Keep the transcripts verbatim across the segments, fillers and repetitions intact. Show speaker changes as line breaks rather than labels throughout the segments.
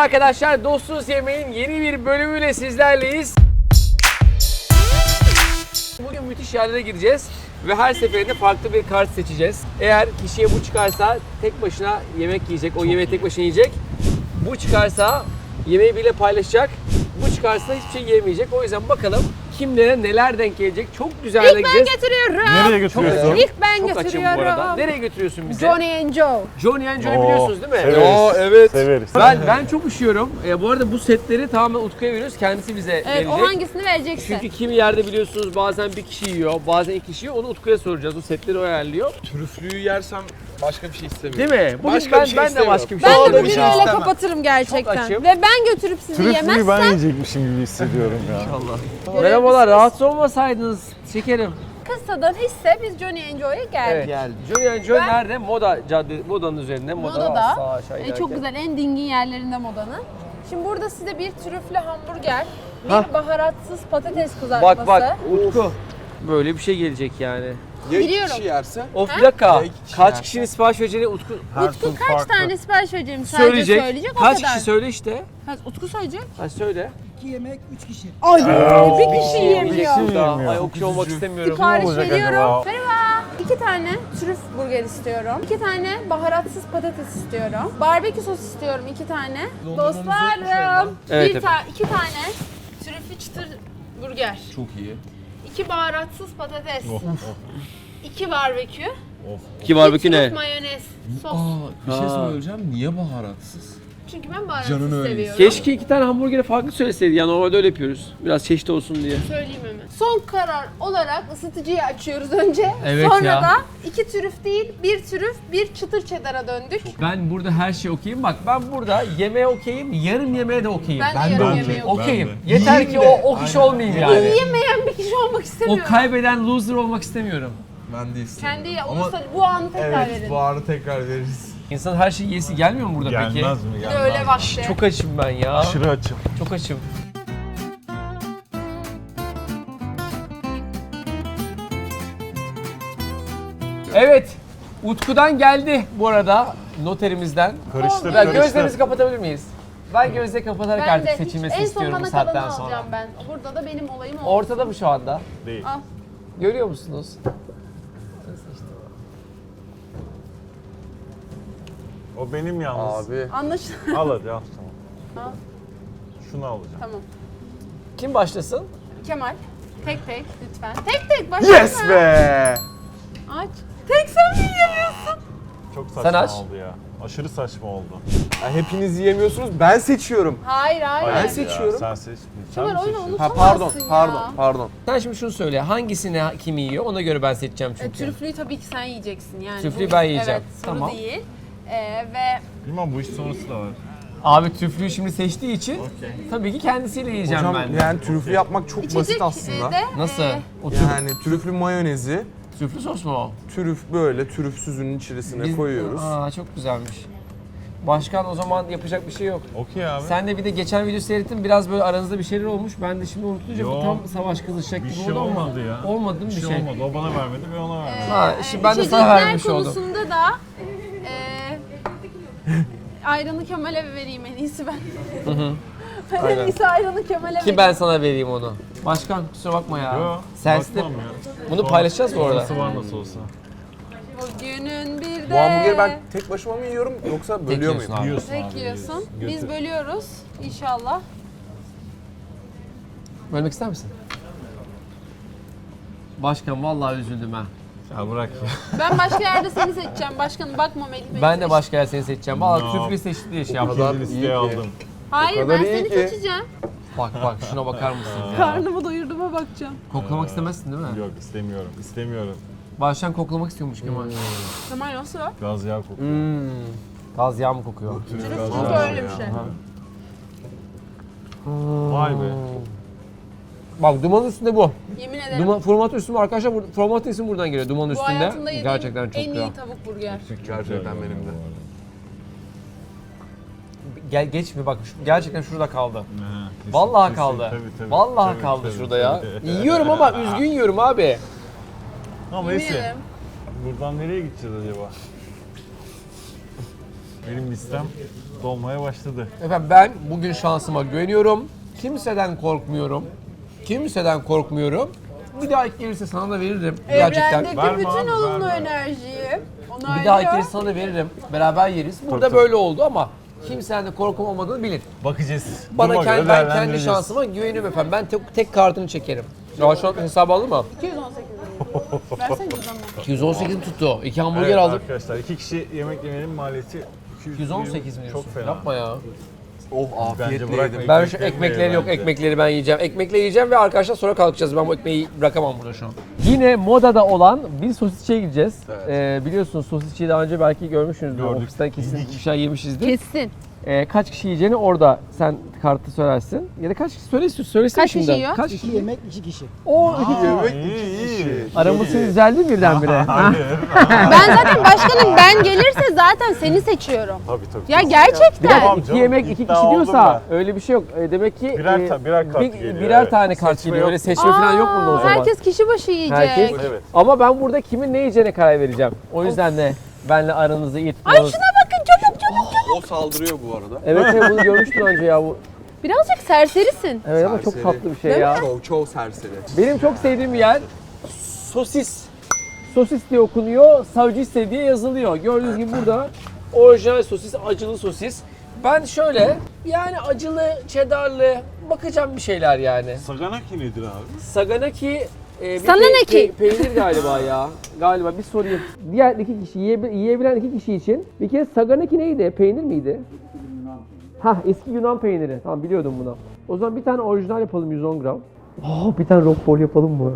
arkadaşlar, Dostuz Yemeğin yeni bir bölümüyle sizlerleyiz. Bugün müthiş yerlere gideceğiz ve her seferinde farklı bir kart seçeceğiz. Eğer kişiye bu çıkarsa tek başına yemek yiyecek, o yemeği tek başına yiyecek. Bu çıkarsa yemeği bile paylaşacak, bu çıkarsa hiçbir şey yemeyecek. O yüzden bakalım kimlere neler denk gelecek. Çok güzel
İlk ben
gideceğiz.
getiriyorum.
Nereye götürüyorsun?
İlk ben
Çok açım bu
getiriyorum.
arada. Nereye götürüyorsun bizi?
Johnny and Joe.
Johnny and Joe'yu
Oo,
biliyorsunuz değil mi?
severiz.
Oo, evet.
Severiz.
Ben ben çok üşüyorum. E, bu arada bu setleri tamamen Utku'ya veriyoruz. Kendisi bize
Evet,
verecek.
o hangisini vereceksin?
Çünkü kimi yerde biliyorsunuz bazen bir kişi yiyor, bazen iki kişi yiyor. Onu Utku'ya soracağız. O setleri o ayarlıyor.
Trüflüyü yersem başka bir şey istemiyorum.
Değil mi? Bugün
Başka
ben,
bir şey
ben de
istemiyorum.
başka bir şey
ben de
istemiyorum.
bugün
şey
öyle
istemem.
kapatırım gerçekten.
Çok açım.
Ve ben götürüp sizi
Trüflüyü
yemezsem
ben yiyecekmişim gibi hissediyorum ya.
Allah. Merhabalar, rahatsız olmasaydınız şekerim.
kısadan hisse biz Johnny and Joe'ya geldik.
Evet. Geldi. Johnny and Joe
Ben-
nerede? Moda cadde, modanın üzerinde. Moda
Modada.
sağ aşağı
E,
inerken.
çok güzel, en dingin yerlerinde modanın. Şimdi burada size bir trüflü hamburger, bir
Hah.
baharatsız patates kızartması.
Bak bak Utku. Böyle bir şey gelecek yani.
Ya iki
Biliyorum.
kişi yerse?
Of
Ha?
bir dakika.
Ya iki kişi
Kaç
yerse?
kişinin sipariş vereceğini Utku
Utku kaç tane sipariş vereceğimi sadece
söyleyecek.
söyleyecek, o
Kaç
kadar.
kişi söyle işte.
Kaç, Utku söyleyecek.
Hadi söyle.
İki yemek, üç kişi.
Ay bir kişi yemiyor.
yemiyor.
Ay okey olmak istemiyorum.
Sipariş
olacak
veriyorum.
acaba?
Merhaba. İki tane trüf burger istiyorum. İki tane baharatsız patates istiyorum. Barbekü sos istiyorum iki tane. Dostlarım.
Evet,
bir
evet.
ta iki tane trüflü çıtır burger.
Çok iyi.
İki baharatsız patates. İki barbekü.
Ki
Bir
barbekü
trüf
ne?
mayonez. Sos.
Bir şey
Aa.
söyleyeceğim. Niye baharatsız?
Çünkü ben baharatsız
Canın öyle.
seviyorum.
Keşke iki tane hamburgeri farklı söyleseydi. Ya normalde öyle yapıyoruz. Biraz çeşitli olsun diye.
Söyleyeyim hemen. Son karar olarak ısıtıcıyı açıyoruz önce.
Evet
Sonra
ya.
da iki trüf değil, bir trüf, bir çıtır cheddar'a döndük.
Ben burada her şey okeyim. Bak ben burada yemeğe okeyim, yarım yemeğe de okeyim.
Ben,
Ben
de
de
yarım
okey.
yemeği okuyayım.
Okeyim.
Ben de.
Yeter
Yiyeyim
ki
de.
o o kişi
Aynen.
olmayayım yani.
Yiyemeyen bir kişi olmak
O
istemiyorum.
kaybeden loser olmak istemiyorum.
Ben de istemiyorum.
Kendi
Ama
olursa bu anı tekrar
evet
verin.
bu arada tekrar veririz.
İnsan her şeyi yesi gelmiyor mu burada peki?
Gelmez mi?
Bir de
Gelmez.
öyle vakti.
Çok açım ben ya.
Aşırı açım.
Çok açım. Evet. Utku'dan geldi bu arada noterimizden.
Karıştır,
Ya
karıştır.
gözlerimizi kapatabilir miyiz? Ben gözleri kapatarak
Ben
artık
de hiç,
seçilmesini
en son
istiyorum bu
bana
saatten
kalanı
sonra.
alacağım ben. Burada da benim olayım o.
Ortada mı şu anda?
Değil.
Al.
Görüyor musunuz?
O benim yalnız.
Abi.
Anlaşıldı.
Al hadi al. Tamam.
Al.
Şunu alacağım.
Tamam.
Kim başlasın?
Kemal. Tek tek lütfen. Tek tek başla.
Yes be!
Aç. Tek sen mi yiyemiyorsun?
Çok saçma
Sen aç.
oldu ya. Aşırı saçma oldu.
Ya hepiniz yiyemiyorsunuz. Ben seçiyorum.
Hayır hayır.
Ben
Hayır
seçiyorum.
Ya, sen seç. Sen
Kemal
mi
oyunu
seçiyorsun?
Ha
unutamazsın
pardon,
ya.
pardon, pardon.
Sen şimdi şunu söyle. Hangisini kim yiyor? Ona göre ben seçeceğim
E,
çünkü.
trüflüyü tabii ki sen yiyeceksin yani.
Trüflüyü
Bu-
ben yiyeceğim.
Evet, soru
Tamam.
değil. Ee, ve
Bilmem bu iş sonrası da var.
Abi tüflüyü şimdi seçtiği için tabii ki kendisiyle yiyeceğim
Hocam
ben.
yani trüflü yapmak çok
içecek
basit aslında.
e, de
Nasıl?
e,
O trüf,
Yani trüflü mayonezi,
trüflü sos mu o?
trüf böyle trüfsüzün içerisine
Biz-
koyuyoruz.
Aa çok güzelmiş. Başkan o zaman yapacak bir şey yok.
Okey abi.
Sen de bir de geçen video seyrettin biraz böyle aranızda bir şeyler olmuş. Ben de şimdi unutunca bu
Yo,
tam savaş kızışacak
bir
gibi
şey
oldu ama
olmadı ya.
olmadı değil mi
bir
bir
şey
şey?
olmadı. O bana vermedi ve ona vermedi.
Ha, şimdi ben de sana
içecekler
vermiş oldum.
konusunda da e, ayranı Kemal'e vereyim en iyisi ben. Ben en
Aynen.
iyisi ayranı Kemal'e
Ki
vereyim.
ben sana vereyim onu. Başkan kusura bakma ya.
Yo,
Sensiz de
bakmam ya.
bunu paylaşacağız bu arada.
Sonrası var nasıl olsa.
Bugünün bir de...
Bu hamburgeri ben tek başıma mı yiyorum yoksa bölüyor
yiyorsun
muyum?
abi.
Yiyorsun
Tek
abi,
yiyorsun.
yiyorsun.
Biz
Götür.
bölüyoruz inşallah.
Bölmek ister misin? Başkan vallahi üzüldüm ha.
Ya bırak ya.
Ben başka yerde seni seçeceğim. Başkanım bakma Melih Bey.
Ben de başka yer seni seçeceğim. Vallahi
No.
tüflü seçti diye şey
kadar
yaptım.
Bir
iyi
listeye
ki.
aldım.
Hayır
O kadar
ben
iyi
seni
ki.
seçeceğim.
Bak bak şuna bakar mısın ya?
Karnımı doyurduğuma bakacağım.
Koklamak istemezsin değil mi?
Yok istemiyorum. İstemiyorum.
Başkan koklamak istiyormuş Kemal.
Kemal nasıl?
Gaz yağı kokuyor.
Hmm. Gaz yağ mı kokuyor?
Gaz
Çünkü
yağı.
öyle bir şey.
Vay be.
Bak dumanın üstünde bu.
Yemin ederim.
Duman, formatı üstü arkadaşlar. bur- Formatı ismi buradan geliyor. Dumanın
Bu
üstünde.
hayatımda yediğim
Gerçekten çok
en
güzel.
iyi tavuk burger.
Gerçekten benim de.
Gel geç mi bak şu- gerçekten şurada kaldı.
Ha, kesin,
Vallahi
kesin.
kaldı.
Tabii, tabii.
Vallahi
Tabii,
kaldı
tabii,
şurada ya.
tabii.
Yiyorum ama üzgün yiyorum abi.
Ama
Yemin
neyse.
ederim.
Buradan nereye gideceğiz acaba? Benim listem dolmaya başladı.
Efendim ben bugün şansıma güveniyorum. Kimseden korkmuyorum. Kimseden korkmuyorum. Bir daha ilk gelirse sana da veririm. Gerçekten.
Evrendeki
Verme
bütün
abi,
olumlu
verme.
enerjiyi
Bir daha ilk
onaylıyor.
gelirse sana da veririm. Beraber yeriz. Burada
tabii.
böyle oldu ama kimseden de korkum olmadığını bilin.
Bakacağız.
Bana
Duruma
kendi,
göre
ben kendi
değerlendireceğiz.
şansıma güveniyorum efendim. Ben tek, tek kartını çekerim. Ya şu an hesabı aldın mı?
iki yüz on sekiz lira. Versene cüzdanımı.
iki yüz on sekiz tuttu. İki hamburger
Evet
aldım.
arkadaşlar iki kişi yemek yemenin maliyeti
iki yüz on sekiz mi diyorsun?
Çok fena.
Yapma ya.
Of
Bence
afiyetle
bırakmayın.
yedim.
Ben şu
Ekmekleri
ekmekleri yok,
bence.
ekmekleri ben yiyeceğim. Ekmekle yiyeceğim ve arkadaşlar sonra kalkacağız. Ben bu ekmeği bırakamam burada şu an. Yine modada olan bir sosisçiye gideceğiz.
Evet.
Ee, biliyorsunuz sosisçiyi daha önce belki görmüşsünüzdür.
Gördük.
Ofisten kesin
Yedik.
bir şey yemişizdir.
Kessin.
Ee, kaç kişi yiyeceğini orada sen kartı söylersin. Ya da kaç kişi söyle söylesene
Kaç kişi
şimdiden.
yiyor?
Kaç
İki
kişi?
yemek, iki kişi.
O iki kişi.
Yemek
iyi,
iki
iyi.
kişi.
Aramız düzeldi birdenbire. Ha?
Hayır.
Ben zaten başkanım, ben gelirse zaten seni seçiyorum.
Tabii tabii.
Ya
Bir
gerçekten.
dakika
Tamam
iki
canım,
yemek iki
iddia
kişi
oldum
diyorsa
ben.
öyle bir şey yok. E, demek ki
Birer
e,
ta- birer kart
bir-
geliyor,
birer
evet.
tane kart
Seçme
geliyor.
yok.
Öyle seçme falan yok bunda o
Aa,
zaman.
herkes kişi başı yiyecek.
Herkes.
Evet.
Ama ben burada kimin ne yiyeceğine karar vereceğim. O yüzden de benle aranızı iyi
Ay
tutmanız.
şuna bakın, çabuk çabuk.
O saldırıyor bu arada.
Evet evet bunu görmüştüm önce ya bu.
Birazcık serserisin.
Evet ama çok
Serseri.
tatlı bir şey
Değil
ya.
Çok çok serseri.
Benim çok sevdiğim bir yer sosis. Sosis diye okunuyor, savcı diye yazılıyor. Gördüğünüz gibi burada orijinal sosis, acılı sosis. Ben şöyle yani acılı, cheddarlı bakacağım bir şeyler yani.
Saganaki nedir abi?
Saganaki e, bir
Saganaki.
pe- pe- peynir galiba ya. Galiba bir sorayım. Diğer iki kişi yiyebil- yiyebilen iki kişi için bir kere Saganaki neydi? Peynir miydi? Ha eski Yunan peyniri. Tamam biliyordum bunu. O zaman bir tane orijinal yapalım yüz on gram. Oh, bir tane Roquefort yapalım mı?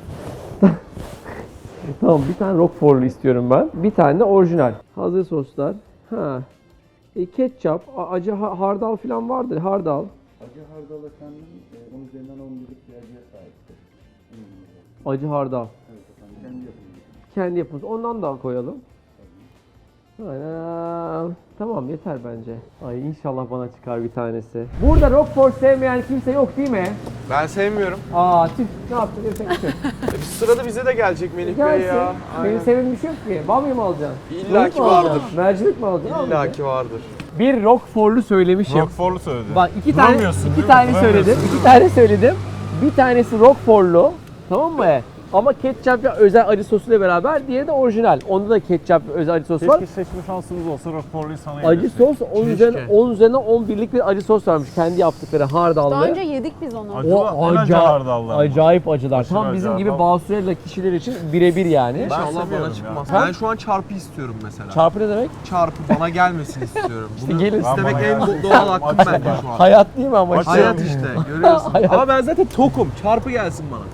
Tamam bir tane Roquefort'lu istiyorum ben. Bir tane de orijinal. Hazır soslar. Ha. E, ketçap, a- acı ha- hardal falan vardır. Hardal.
Acı hardal efendim, e, onun üzerinden on birlik bir acıya sahiptir.
Acı hardal.
Evet efendim, kendi yapımı.
Kendi yapımız. Ondan da koyalım. Aynen. Tamam yeter bence. Ay inşallah bana çıkar bir tanesi. Burada Roquefort sevmeyen kimse yok değil mi?
Ben sevmiyorum.
Aa tüh ne yaptın desek bir şey.
E, bir sırada bize de gelecek Melih Bey
Gelsin.
ya.
Benim
Aynen.
sevdiğim bir şey yok ki. Bamya mı alacaksın?
İlla
Yoğurt
ki
mu alacaksın?
vardır.
Mercimek mi alacaksın?
İlla ki vardır.
Bir Roquefort'lu söylemişim.
Roquefort'lu söyledi.
Bak iki tane
Duramıyorsun,
iki
değil mi?
tane
Duramıyorsun.
söyledim. iki tane söyledim. Bir tanesi Roquefort'lu. Tamam mı? Ama ketçap ve özel acı sosuyla beraber, diğeri de orijinal. Onda da ketçap ve özel acı sos var.
Keşke seçme şansımız olsa Roquefort'luyu sana
Acı
yedirsek.
sos on üzerinden on üzerinden on birlik bir acı sos vermiş. Kendi yaptıkları hardallı.
Daha önce yedik biz onu.
Acı-
O
en acı
acayip,
hardallı ama.
acayip acılar.
Aşırı
Tam
acı
bizim gibi
hardal.
basurella kişiler için birebir yani.
İnşallah
seviyorum
bana
ya.
çıkmaz.
Ha?
Ben şu an çarpı istiyorum mesela.
Çarpı ne demek?
Çarpı bana gelmesin istiyorum. Bunu
gelin.
istemek
Bana
en
gelsin.
doğal hakkım
Açım
bence
ben.
şu an.
Hayat değil mi ama?
Aç-
Hayat işte görüyorsun.
Hayat.
Ama ben zaten tokum. Çarpı gelsin bana.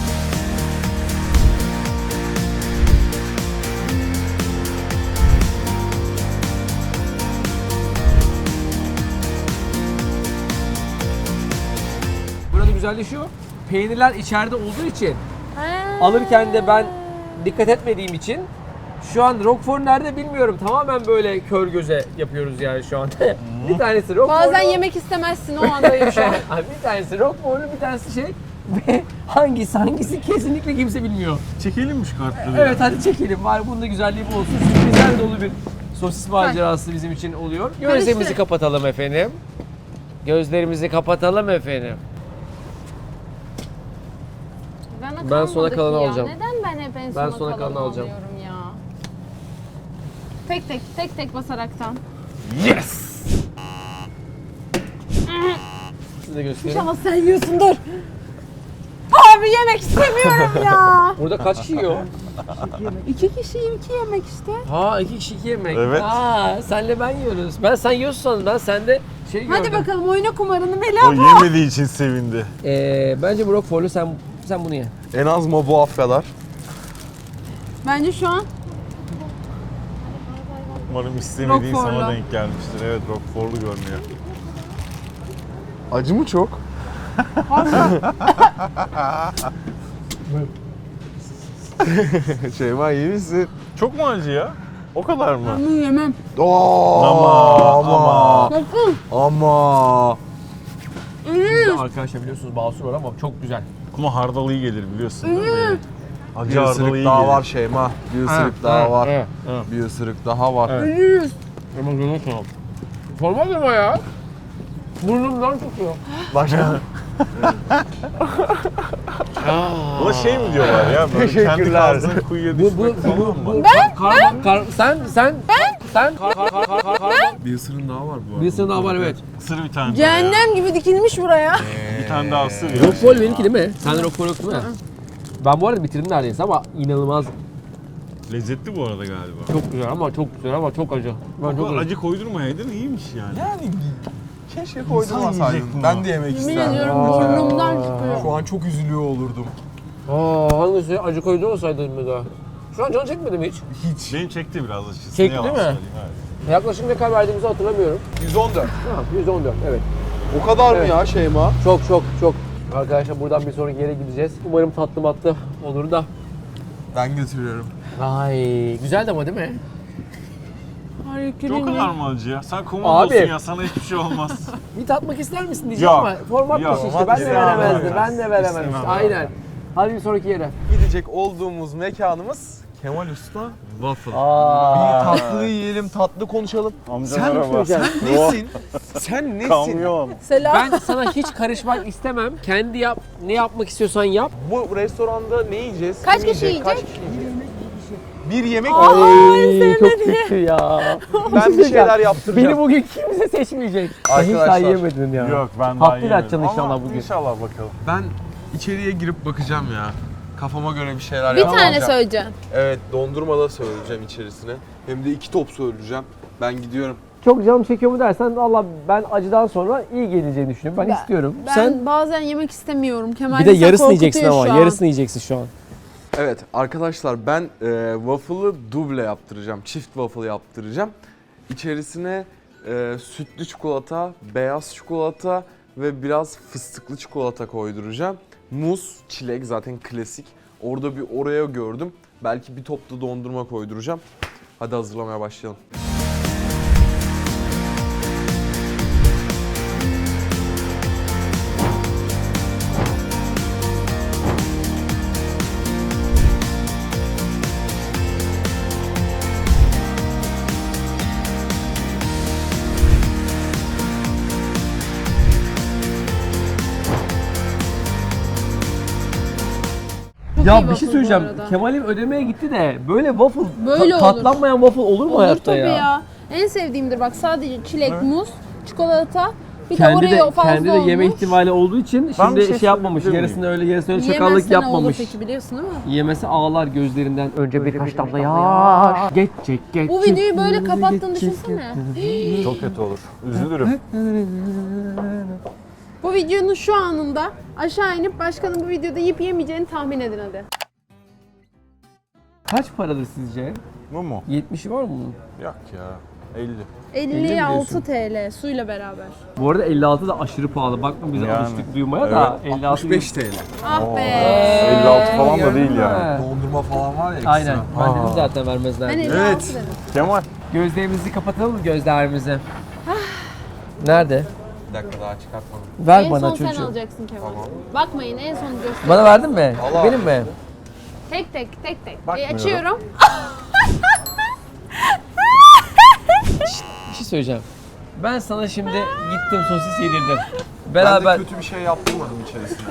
Burada güzelleşiyor. Peynirler içeride olduğu için
Ha.
alırken de ben dikkat etmediğim için şu an Roquefort nerede bilmiyorum. Tamamen böyle kör göze yapıyoruz yani şu anda. bir tanesi Roquefort'lu.
Bazen yemek istemezsin, o andayım şu an.
Abi bir tanesi Roquefort'lu, bir tanesi şey ve hangisi hangisi kesinlikle kimse bilmiyor.
Çekelim mi şu kartları?
Evet hadi çekelim. Var bunun da güzelliği bu olsun. Sürprizler dolu bir sosis macerası bizim için oluyor. Gözlerimizi
Karıştır.
kapatalım efendim. Gözlerimizi kapatalım efendim.
Bana
Ben sona
kalmadı
kalanı
ki ya.
alacağım.
Neden ben hep en
Ben
sona,
sona kalanı
kalanı
alacağım.
alıyorum ya? Tek tek, tek tek basaraktan.
Yes! Size göstereyim.
İnşallah sen yiyorsun, dur. Abi yemek istemiyorum ya.
Burada kaç kişi yiyor?
İki kişiyim, iki yemek işte.
Ha iki kişi iki yemek.
Evet.
Ha senle ben yiyoruz. Ben sen yiyorsun sandım. Ben sende şey gördüm.
Hadi bakalım, oyna kumarını Melih
O
abla.
yemediği için sevindi.
Ee, bence bu Roquefort'lu sen sen bunu ye.
En az mabuaf kadar.
Bence şu an
Umarım istemediğin sana
Roquefort'lu.
denk gelmiştir. Evet Roquefort'lu görünüyor.
Acı mı çok? Şeyma iyi misin?
Çok mu acı ya? O kadar mı?
bunu yemem.
Oo,
Ama,
ama
Bakın.
ama.
Arkadaşlar biliyorsunuz basur var ama çok güzel.
Ama hardal iyi gelir biliyorsun değil mi? Acı
Bir
hardal
ısırık
iyi
daha
gelir.
var Şeyma. Bir ısırık daha var.
Evet.
Bir ısırık daha var.
Ölürüz.
Ama görüyorsun. Olmaz ama ya. Burnumdan çıkıyor.
Başka.
Buna şey mi diyorlar ya? Böyle kendi
Teşekkürler.
kazdığın kuyuya
Bu
düşmek
bu
falan
bu
mı?
bu kar, kar, sen sen ben sen kar, kar, kar, kar, kar,
Bir ısırın daha var bu arada.
Bir ısırın daha var evet.
Isır bir tane daha ya.
Cehennem gibi dikilmiş buraya.
Bir tane daha ısır ya.
Rockfall benimki değil mi? Sende Rockfall yok değil mi? Ben bu arada bitirdim neredeyse ama inanılmaz
Lezzetli bu arada galiba.
çok güzel ama çok güzel ama çok acı. Ben
Bu
çok
kadar
acı.
acı koydurmayaydın iyiymiş yani.
Yani keşke
yiyecek
koydurmasaydım.
bunu.
Ben de yemek
Yemin
isterdim.
ediyorum burnumdan çıkıyor.
Şu an çok üzülüyor olurdum.
Aa hangisi acı koydu olsaydın bir daha. Şu an canı çekmedi mi hiç?
Hiç.
Benim çekti biraz açıkçası.
Çekti
ne yalan
değil mi?
söyleyeyim, evet.
Yaklaşık ne kadar verdiğimizi hatırlamıyorum.
yüz on dört.
Ha, yüz on dört evet.
O kadar
Evet.
mı ya Şeyma?
Çok çok çok. Arkadaşlar buradan bir sonraki yere gideceğiz. Umarım tatlı matlı olur da.
Ben götürüyorum.
Ay güzeldi ama değil mi?
O kadar mı acı ya? Sen
Abi.
komandosun ya, sana hiçbir şey olmaz.
Bir tatmak ister misin diyeceğim
Yok.
ama format
Yok.
dışı işte. Ben de
İstemem
veremezdim.
abi.
Ben de veremezdim.
İstemem.
Aynen. Hadi bir sonraki yere.
Gidecek olduğumuz mekanımız Kemal Usta Waffle.
Aa.
Bir tatlı yiyelim, tatlı konuşalım.
Amca
Sen
merhaba.
Sen nesin? Sen nesin?
Kamyon.
Selam.
Ben sana hiç karışmak istemem. Kendi yap. Ne yapmak istiyorsan yap.
Bu restoranda ne yiyeceğiz?
Kaç
Kim
kişi
yiyecek? Kaç
yiyecek?
kişi yiyecek? Bir yemek
Ay çok kötü ya.
Ben bir şeyler yaptıracağım.
Beni bugün kimse seçmeyecek. Sen hiç
Arkadaşlar.
daha yemedin ya.
Yok ben daha
Tatlıyla
yemedim.
açacaksın inşallah
Ama
bugün.
İnşallah bakalım.
Ben içeriye girip bakacağım ya. Kafama göre bir şeyler
Bir
yapacağım.
tane söyleyeceğim.
Evet, dondurma da söyleyeceğim içerisine. Hem de iki top söyleyeceğim. Ben gidiyorum.
Çok canım çekiyor mu dersen valla ben acıdan sonra iyi geleceğini düşünüyorum. Ben,
Ben-
istiyorum.
Ben
Sen
bazen yemek istemiyorum. Kemal
bir de
bizi
yarısını
korkutuyor
yiyeceksin ama
şu an.
yarısını yiyeceksin şu an.
Evet arkadaşlar ben e, waffle'ı duble yaptıracağım. Çift waffle yaptıracağım. İçerisine e, sütlü çikolata, beyaz çikolata ve biraz fıstıklı çikolata koyduracağım. Muz, çilek zaten klasik. Orada bir Oreo gördüm. Belki bir top da dondurma koyduracağım. Hadi hazırlamaya başlayalım.
Çok iyi
Ya bir
waffle
şey
bu
söyleyeceğim.
arada.
Kemal'im ödemeye gitti de böyle waffle
Böyle
ta-
olur.
katlanmayan waffle olur mu
Olur
hayatta
tabii
ya?
ya. En sevdiğimdir bak sadece çilek, muz, çikolata, bir
Kendi
de
de
Oreo fazla
kendi de yeme
olmuş.
ihtimali olduğu için
Ben
şimdi
bir
şey,
şey
yapmamış.
söyleyebilir
Yarısını öyle yarısını öyle çakallık
Yemezse ne olur
yapmamış.
peki biliyorsun değil mi?
Yemesi ağlar gözlerinden. Önce birkaç damla yaş. Geçecek geçecek.
Bu videoyu böyle kapattığını düşünsene.
Çok kötü olur. Üzülürüm.
Bu videonun şu anında aşağı inip başkanın bu videoda yiyip yemeyeceğini tahmin edin hadi.
Kaç paradır sizce?
Bu mu?
yetmişi var mı bunun?
Yok ya. elli.
elli altı TL suyla beraber.
Bu arada elli altı da aşırı pahalı. Bakma biz
Yani.
alıştık duymaya da elli altı
altmış beş T L.
Ah be.
elli altı falan da değil
Gördün
yani.
mü?
Dondurma falan var ya ekstra.
Aynen. Ben
Aa.
dedim zaten vermezler.
Ben
diye.
elli altı
Evet.
dedim.
Kemal.
Gözlerimizi kapatalım mı gözlerimizi? Nerede?
Bir dakika daha çıkartmadım.
Ver
En
bana
son sen
çocuğum.
alacaksın Kemal. Bakmayın en son göster.
Bana verdin mi?
Allah.
Benim mi?
Tek tek tek tek. E,
Bakmıyorum.
açıyorum.
Bir şey söyleyeceğim. Ben sana şimdi gittim sosis yedirdim.
Ben
Beraber
de kötü bir şey yaptırmadım içerisine.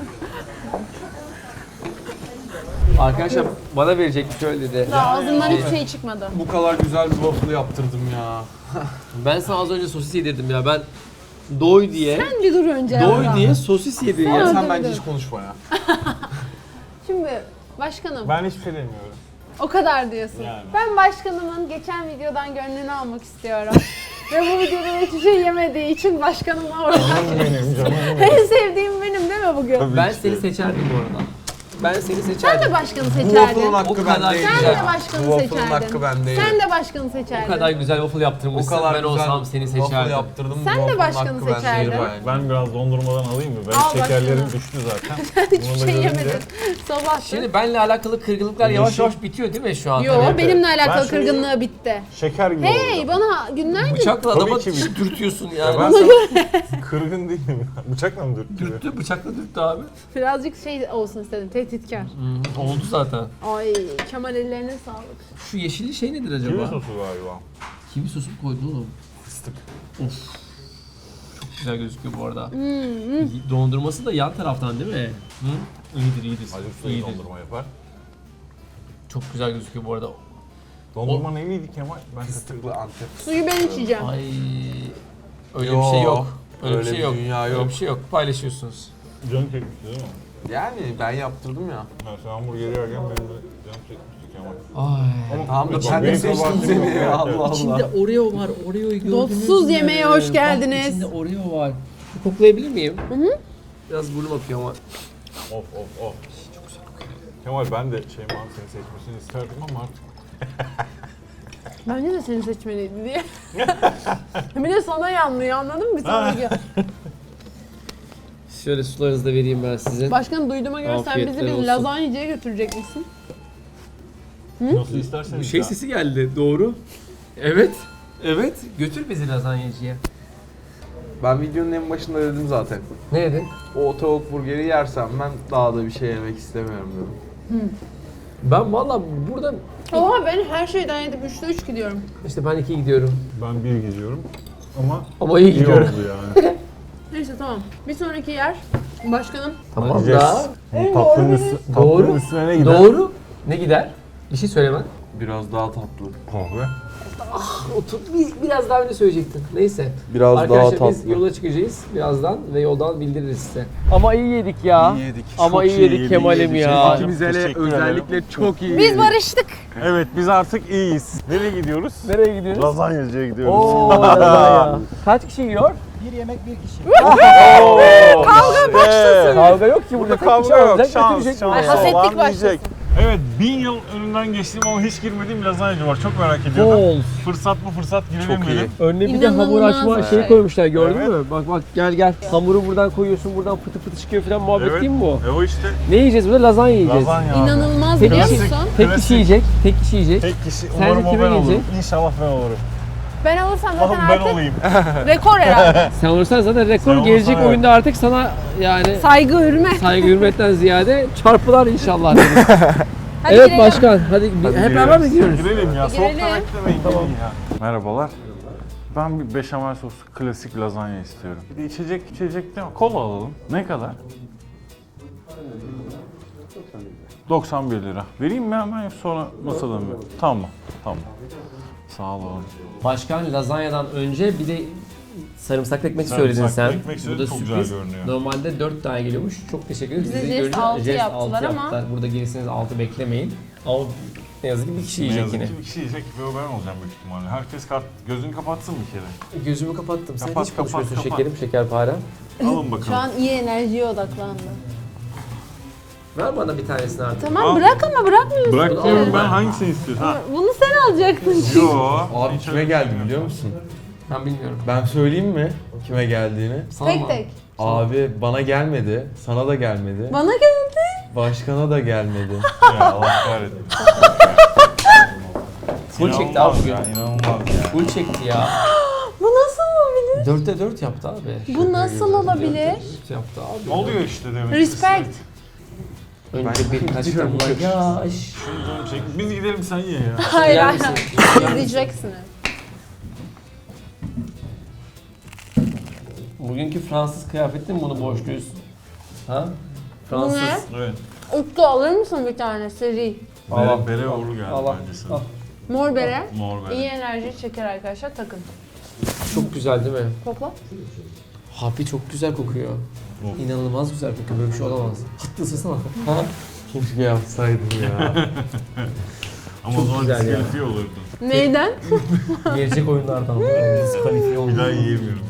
arkadaşlar bana verecek şöyle dedi.
Daha ağzımdan hiçbir şey çıkmadı.
Bu kadar güzel bir waffle yaptırdım ya.
Ben sana az önce sosis yedirdim ya. Ben doy diye
Sen bir dur önce.
doy
ya.
diye sosis yedim
Sen-
ya.
Sen
dur,
bence
dur.
hiç konuşma ya.
Şimdi başkanım
Ben hiçbir şey demiyorum.
o kadar diyorsun.
Yani.
Ben başkanımın geçen videodan gönlünü almak istiyorum. Ve bu videoda hiçbir şey yemediği için başkanımla ortak.
Benim canım.
En sevdiğim benim değil mi bugün?
Ben seni seçerdim bu arada. Ben seni
Sen
seçerdim.
de başkanı
Bu waffle'ın
seçerdin.
hakkı
O kadar
bendeydi.
Sen
güzel.
de başkanı
Bu waffle'ın
seçerdin.
hakkı bendeydi.
Sen de başkanı
O
seçerdin.
kadar güzel waffle
O
yaptırmışsın.
kadar
Ben
güzel
olsam seni
waffle
seçerdim.
yaptırdım.
Sen de
waffle'ın
başkanı
hakkı bendeydi
seçerdin.
bayağı.
Ben biraz dondurmadan alayım mı? Benim
Al
şekerlerim
başını.
düştü zaten.
Hiçbir
Bunu da
şey
görünce-
yemedin. Sabah.
Şimdi benle alakalı kırgınlıklar yavaş
Yeşil.
yavaş bitiyor değil mi şu an?
Yo
Hani
benimle
Ben
alakalı
şunu-
kırgınlığı bitti.
Şeker gibi
Hey
olacağım.
bana günlerdir
Bıçakla
Tabii
adama
ki bir-
dürtüyorsun ya.
Ya ben sana kırgın değilim. Bıçakla mı dürttürüyor?
Dürttü, bıçakla dürttü abi.
birazcık şey olsun istedim tehditkar.
Hmm, oldu zaten.
Ay Kemal ellerine sağlık.
Şu yeşilli şey nedir acaba?
Kivi sosu galiba.
Kivi sosu mu koydun oğlum?
fıstık.
Güzel gözüküyor bu arada. Dondurması da yan taraftan değil mi? Hı? İyidir iyidir.
Acı suyu
İyidir.
dondurma yapar.
Çok güzel gözüküyor bu arada.
Dondurma neyliydi Kemal? Ben
Fıstıklı Antep.
Suyu ben içeceğim.
Ay öyle
Yo,
bir şey yok. Öyle,
öyle
bir şey
bir
yok.
dünya
Öyle
yok.
bir şey yok. Paylaşıyorsunuz.
Canım çekmişti değil mi?
Yani ben yaptırdım ya.
Ben sen hamburgeri yerken benim de canım çekmişti Kemal.
Ay.
Ama
Tamam da
bak,
ben de
benim
seçtim
kabahatim
seni
yok.
ya. Allah Allah.
İçinde Oreo var. Oreo'yu gördünüz
Dotsuz
mü?
yemeğe hoş
Bak,
geldiniz.
İçinde Oreo var. Bir koklayabilir miyim? Hı hı. Biraz burnum akıyor ama.
Of of of. Çok güzel kokuyor. Kemal ben de Şeyma'nın seni seçmesini isterdim ama artık
Bence de seni seçmeliydi diye. Bir de sana yanlıyor, anladın mı? Bir sonraki.
Şöyle sularınızı da vereyim ben size.
Başkanım duyduğuma göre sen bizi
Afiyetler
bir
olsun.
lazanyacıya götürecek misin?
nasıl isterseniz
Şey
ya.
sesi geldi. Doğru. Evet. Evet. Götür bizi lazanyacıya.
Ben videonun en başında dedim zaten.
Ne dedin?
O tavuk burgeri yersem ben daha da bir şey yemek istemiyorum dedim.
Ben valla burada
Oha ben her şeyden yedim. Üçte üç gidiyorum.
işte ben iki gidiyorum.
Ben bir gidiyorum ama
Ama iyi
iyi
gidiyorum.
oldu yani.
Neyse tamam. Bir sonraki yer. Başkanım.
Tamam
Yiyeceğiz.
da.
Bu tatlının, üstü,
Doğru.
tatlının üstüne ne gider?
Doğru. Ne gider? Bir şey söyleme.
Biraz daha tatlı.
Kahve.
Otur. Bir, biraz daha önce söyleyecektin. Neyse.
Biraz
Arkadaşlar
daha
biz
tatlı.
yola çıkacağız birazdan ve yoldan bildiririz size. Ama iyi yedik ya.
İyi yedik.
Ama
Çok
iyi
iyi
yedik
yedik,
Kemal'im
yedik.
ya.
Teşekkür
İkimiz hele
ederim.
özellikle çok iyi.
Biz barıştık.
Evet biz artık iyiyiz. Nereye gidiyoruz?
Nereye gidiyoruz?
Lazanyacıya gidiyoruz.
Oo, lazanya. Kaç kişi yiyor?
Bir yemek bir kişi.
Kavga başlasın.
Kavga yok ki burada. Tek
Kavga
kişi
yok.
alacak,
Şans,
götürecek
şans.
buraya.
Hasetlik
Olan
başlasın.
yiyecek. Evet bin yıl önünden geçtiğim ama hiç girmediğim lazanyacı var. Çok merak ediyordum.
Bol.
Fırsat bu fırsat girelim
Çok iyi.
dedim.
Önüne bir de hamur
İnanılmaz
açma
bir
şey
şey.
koymuşlar gördün
Evet.
mü? Bak bak gel gel. Hamuru buradan koyuyorsun buradan fıtı fıtı çıkıyor falan muhabbet
Evet.
değil mi bu?
E o işte
Ne yiyeceğiz burada? Lazanya yiyeceğiz.
lazanya. abi.
İnanılmaz
Tek
biliyor
kişi,
musun?
tek
Klasik.
kişi yiyecek. Tek kişi yiyecek.
Tek kişi
Sence
umarım o
kime
ben olurum.
gelecek?
İnşallah ben olurum.
Ben alırsam zaten
Allah'ım ben
artık
olayım.
rekor herhalde.
Sen olursan zaten rekor
Sen
gelecek
olursan
oyunda artık sana yani
Saygı, hürmet.
saygı hürmetten ziyade çarpılar inşallah. deriz.
Hadi
evet
girelim.
başkan hadi, bir- hep beraber mi gidiyoruz?
Girelim ya.
Bir
Soğukta
girelim.
beklemeyin. Tamam. Ya. Merhabalar. Ben bir beşamel soslu klasik lazanya istiyorum. Bir de içecek içecek değil mi? Kola alalım. Ne kadar? doksan bir lira. Vereyim mi hemen sonra masada mı? Tamam. Tamam. Sağ olun.
Başkan lazanyadan önce bir de sarımsaklı ekmek
Sarımsaklı
söyledin sen.
ekmek
Bu
söyledim,
da
çok
sürpriz.
güzel görünüyor.
Normalde dört tane geliyormuş. Çok teşekkür ederiz.
Bize
Sizi
jest
görünce
altı
jest
yaptılar
altı
ama-
yaptılar. Burada gelirseniz altı beklemeyin. Ama ne yazık ki bir kişi
Ne
yiyecek
yazık
yine.
ki bir kişi yiyecek ve o ben olacağım büyük ihtimalle. Herkes kart, gözünü kapatsın bir kere.
Gözümü kapattım. Sen
Kapat,
hiç konuşmuyorsun
kapat, kapat.
şekerim, şekerpare.
Alın bakalım.
Şu an iyi enerjiye odaklandı.
Ver bana bir tanesini artık.
Tamam
Al.
bırak ama bırakmıyorsun.
Bırak diyorum ben hangisini istiyorsun? Ha.
Bunu sen alacaktın.
Yo.
Abi
hiç
kime
öyle
geldi
düşünmüyorum.
biliyor musun?
Ben bilmiyorum.
Ben söyleyeyim mi kime geldiğini?
Sana
Tek
mı?
tek.
Abi bana gelmedi, sana da gelmedi,
Bana geldi.
başkana da gelmedi.
Ya Allah kahretsin.
Full çekti
İnanılmaz
abi.
ya, inanılmaz ya.
Full çekti ya.
Bu nasıl olabilir?
Dörtte dört yaptı abi.
Bu nasıl olabilir?
Dört yaptı abi.
Ne oluyor işte demek.
Respect.
Önce birkaç
gidiyorum.
damla yaş.
Şunu canım çek. Biz gidelim sen ye ya.
Hayır
Yer
hayır.
misin?
İzleyeceksiniz.
Bugünkü Fransız kıyafetin mi bunu borçluyuz? Ha?
Bu
Fransız.
ne?
Evet.
Utku alır mısın bir tane seri?
Al.
Bere, bere uğurlu geldi
Al, al.
bence sana.
Al.
Mor bere.
Mor bere.
İyi enerji çeker arkadaşlar takın.
Çok güzel değil mi?
Kokla.
Hapi çok güzel kokuyor.
Of.
İnanılmaz güzel kokuyor. Böyle bir şey olamaz. Hatta ısırsana. Ha?
Keşke yapsaydım ya.
Ama
Çok
o zaman
güzel ya.
diskalifiye olurdun.
Neyden?
Gelecek oyunlardan. Diskalifiye
Bir
oldu.
daha yiyemiyorum.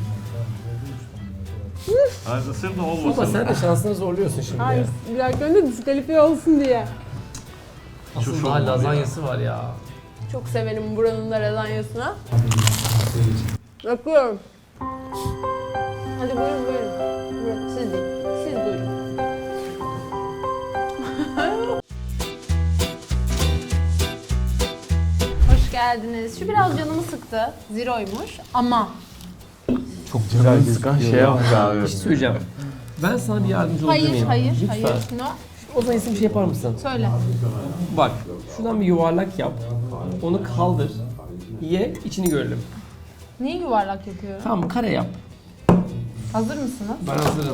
Hadi ısır da
Ama
olmasın.
sen de şansını zorluyorsun şimdi
Hayır.
ya.
Bir dakika önce diskalifiye olsun diye.
Asıl
Şu
daha
olmadı
lazanyası var ya.
Çok severim buranın da lazanyasını. Bakıyorum. Hadi buyurun buyurun. Buyurun siz deyin. Siz buyurun. Hoş geldiniz. Şu biraz canımı sıktı. Zero'ymuş ama
Çok
Canını sıkan şeye bak abi.
Bir şey söyleyeceğim. Ben sana bir yardımcı olabilir
hayır
miyim?
hayır
Lütfen.
hayır. No.
O zaman isim bir şey yapar mısın?
Söyle.
Bak, şuradan bir yuvarlak yap. Onu kaldır. Ye, içini görelim.
Niye yuvarlak yapıyorum?
Tamam kare yap.
Hazır mısınız?
Ben hazırım.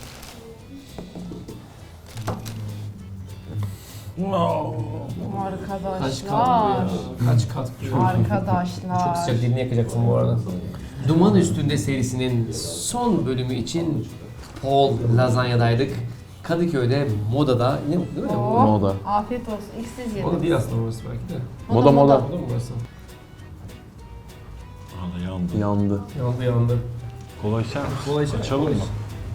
Kaç kat bu
Arkadaşlar.
ya? Kaç kat bu? Çok
Arkadaşlar.
sıcak, dilini yakacaksın bu arada. Duman Üstünde serisinin son bölümü için Paul Lazanya'daydık. Kadıköy'de Moda'da, ne değil mi?
Oh,
Moda.
Afiyet olsun. İlk siz yedin.
Moda değil aslında orası belki de.
Moda moda.
Moda mı burası?
Aa, yandı.
Yandı.
Yandı yandı.
Kola içer misin?
Kola içer.
Açalım mı?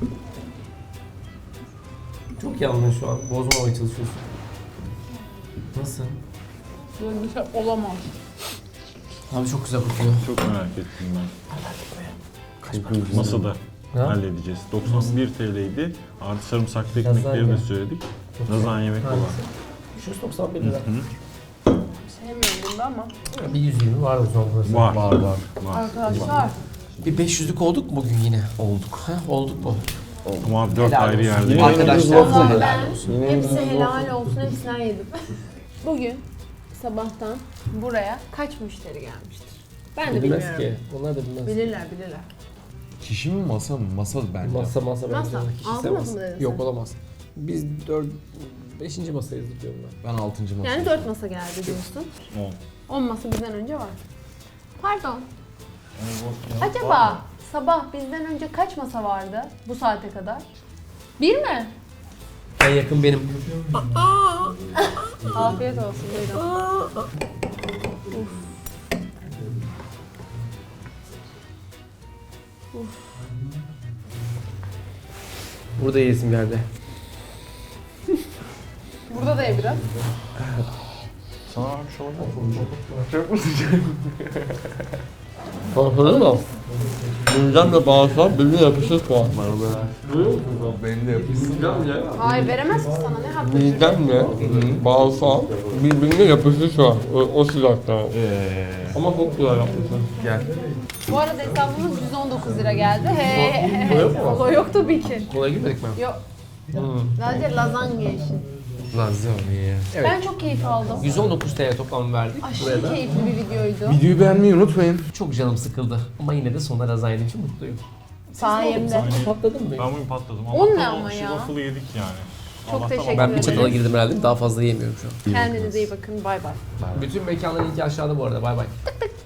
Çok yandın şu an. Bozmamaya çalışıyorsun. Nasıl?
Böyle bir şey olamaz.
Abi çok güzel kokuyor.
Çok merak ettim ben.
Kaç para?
Masada
Ha?
halledeceğiz. doksan bir T L'ydi. Artı sarımsaklı ekmekleri
Lazanya.
de söyledik. Lazanya yemek olan.
Şu yüz doksan bir lira.
Sevmiyorum bunu ama.
Bir yüz yirmi var o zaman burası.
Var.
Var var.
Var.
Arkadaşlar.
Bir beş yüzlük olduk mu bugün yine? Olduk. Ha, olduk mu?
Ama dört
Helal
ayrı
olsun.
yerde.
Arkadaşlar
Vallahi
helal
ben
olsun.
hepsi helal olsun, hepsinden yedim. Bugün sabahtan buraya kaç müşteri gelmiştir? Ben de
Bilmez
bilmiyorum.
ki. Onlar da bilmez.
Bilirler, bilirler.
Kişi mi masa mı? Masa bence.
Masa masa bence.
Masa.
Kişisel
Altı masa
masa.
mı dedin
Yok
sen?
olamaz. Biz dört, beşinci masayız diyorum ben.
Ben altıncı masa.
Yani dört masa geldi diyorsun.
On.
On masa bizden önce var. Pardon. Acaba sabah bizden önce kaç masa vardı bu saate kadar? Bir mi?
En yakın benim.
Afiyet olsun, buyurun.
Burada yesim geldi.
Burada da ye biraz.
Sana vermiş olabilir mi?
Anladın mı? Bundan da bağırsak birbirine yapışır şu an.
Benim de yapıyorsun.
Hayır, veremez ki sana, ne hakkı?
Midemle bağırsak birbirine yapışır şu an. O, o sıcakta. Ama çok güzel yapmışsın.
Gel.
Bu arada hesabımız yüz on dokuz lira geldi. He he he. O yok tabii ki.
Kolay girmedik mi?
Yok. Sadece lazanya işi.
Lazanya.
Evet.
Ben çok keyif aldım.
yüz on dokuz T L toplam verdik buraya
Aşırı
da.
keyifli bir videoydu.
Videoyu beğenmeyi unutmayın.
Çok canım sıkıldı. Ama yine de sonunda lazanya yediğim için mutluyum.
Sayemde.
Patladın mı?
Ben bugün patladım.
On ne
Allah'tan
ama
o
ya?
Waffle'ı yedik yani.
Çok
Allah'tan
teşekkür
Ben bir
ederim.
çatala girdim herhalde. Daha fazla yemiyorum şu an.
Kendinize iyi bakın. Bay bay.
Bütün mekanların linki aşağıda bu arada. Bay bay.